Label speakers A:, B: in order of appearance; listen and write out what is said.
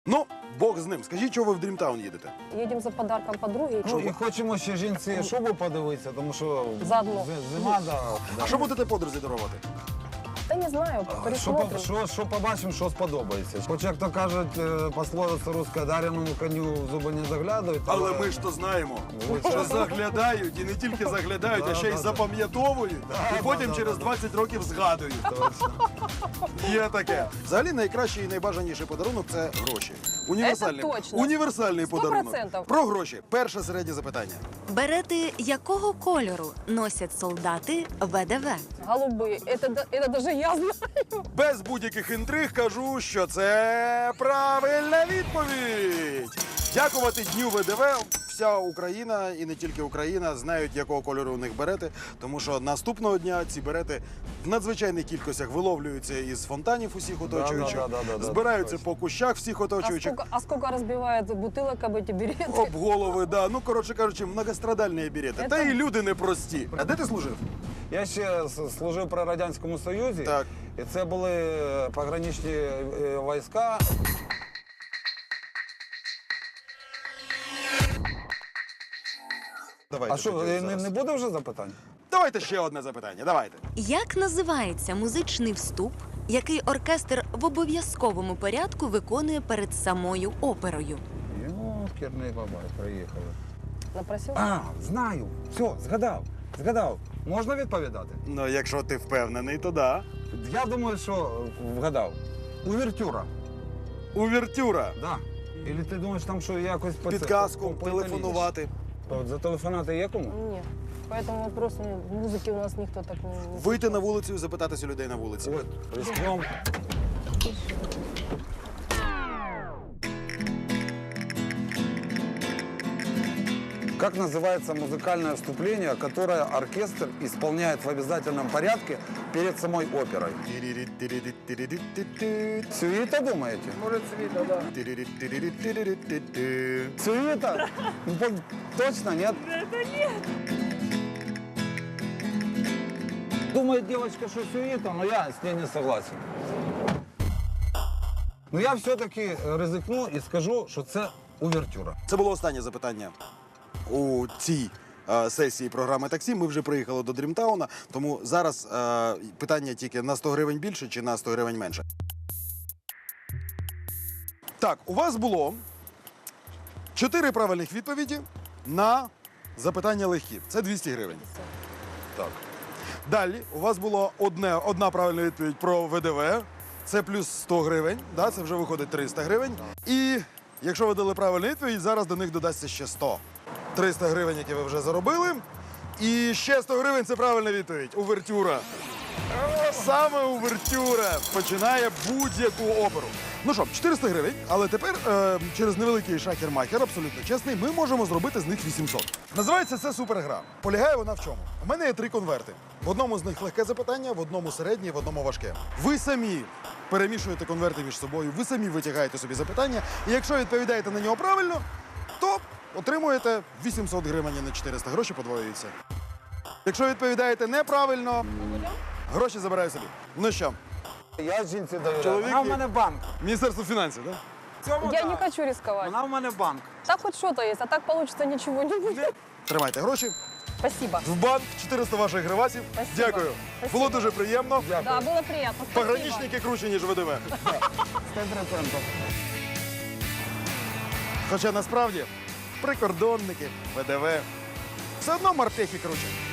A: Ну, Бог з ним. Скажіть, чого ви в Дрімтаун їдете?
B: Їдемо за подарком подруги.
C: Ну, і хочемо ще жінці шубу подивитися, тому що
B: Заодно.
C: зима, да.
A: А що будете подрузі дарувати?
B: Та не знаю, пересмотрим.
C: Що побачимо, що сподобається. Хоч, як то кажуть, пословиця руська, даряному коню в зуби не заглядають.
A: Але ми ж то знаємо, що заглядають, і не тільки заглядають, а ще й запам'ятовують, і потім через 20 років згадують. Є таке. Взагалі найкращий і найбажаніший подарунок – це гроші. Універсальний,
B: Це точно.
A: універсальний
B: 100%.
A: подарунок. Про гроші. Перше середнє запитання.
D: Берети якого кольору носять солдати ВДВ?
B: Голубые. Это даже я знаю.
A: Без будь-яких інтриг кажу, що це правильна відповідь. Дякувати Дню ВДВ. Вся Україна, і не тільки Україна, знають, якого кольору у них берети, тому що наступного дня ці берети в надзвичайних кількостях виловлюються із фонтанів усіх оточуючих, збираються по кущах всіх оточуючих.
B: А сколько разбивает бутылок об эти береты?
A: Об голови, да. Ну, коротше кажучи, многострадальні берети. Та і люди непрості. А де ти служив?
C: Я ще служив при Радянському Союзі,
A: Так.
C: і це були пограничні війська.
A: Давайте,
C: А що,
A: тоді зараз.
C: не буде вже запитань?
A: Давайте ще одне запитання, давайте.
D: Як називається музичний вступ, який оркестр в обов'язковому порядку виконує перед самою оперою?
C: Керний бабай, приїхали.
B: Напросил?
C: А, знаю. Все, згадав. Можна відповідати?
A: Ну, якщо ти впевнений, то да.
C: Я думаю, що вгадав. Увертюра.
A: Увертюра.
C: Да. Или ти думаєш, там що якось по
A: Підказку,
C: по- по-
A: телефонувати.
C: От зателефонувати є кому?
B: Нет. По этому вопросу музыки у нас никто так не...
A: Вийти на вулицю і запитатися людей на вулиці.
C: От, рискнем. Как называется музыкальное вступление, которое оркестр исполняет в обязательном порядке перед самой оперой? Сюита, думаете?
B: Может, цвета, да.
C: Сюита? Ну, точно, нет? Думает девочка, что сюита, но я с ней не согласен. Но я все-таки ризикну і скажу, що це увертюра.
A: Це було останнє запитання у цій сесії програми «Таксі». Ми вже приїхали до Дрімтауна, тому зараз питання тільки на 100 гривень більше чи на 100 гривень менше. Так, у вас було 4 правильних відповіді на запитання легкі. Це 200 гривень. Так. Далі у вас було одна правильна відповідь про ВДВ. Це плюс 100 гривень, да, це вже виходить 300 гривень. І якщо ви дали правильну відповідь, зараз до них додасться ще 100. 300 гривень, які ви вже заробили. І ще 100 гривень – це правильна відповідь. Увертюра. Саме увертюра починає будь-яку оперу. Ну що, 400 гривень, але тепер через невеликий шахер-махер, абсолютно чесний, ми можемо зробити з них 800. Називається це супергра. Полягає вона в чому? У мене є 3 конверти. В одному з них легке запитання, в одному середнє, в одному важке. Ви самі перемішуєте конверти між собою, ви самі витягаєте собі запитання, і якщо відповідаєте на нього правильно, то отримуєте 800 гривень, а не 400. Гроші подвоюються. Якщо відповідаєте неправильно, гроші забираю собі. Ну що,
C: Я жінці довіряю.
A: Чоловік
C: Вона в
A: є.
C: мене банк.
A: Міністерство фінансів, так?
C: Цьому
B: Я
C: так.
B: не хочу рисковать.
C: Вона в мене банк.
B: Так хоть что-то есть, а так получится ничего не будет.
A: Тримайте гроші.
B: Спасибо.
A: В банк 400 ваших гривасів.
B: Спасибо.
A: Дякую.
B: Спасибо.
A: Було дуже приємно.
B: Да, было приятно. Спасибо.
A: Пограничники круче, ніж ВДВ.
C: 100%.
A: Хоча насправді прикордонники, ВДВ. Все одно морпехи круче.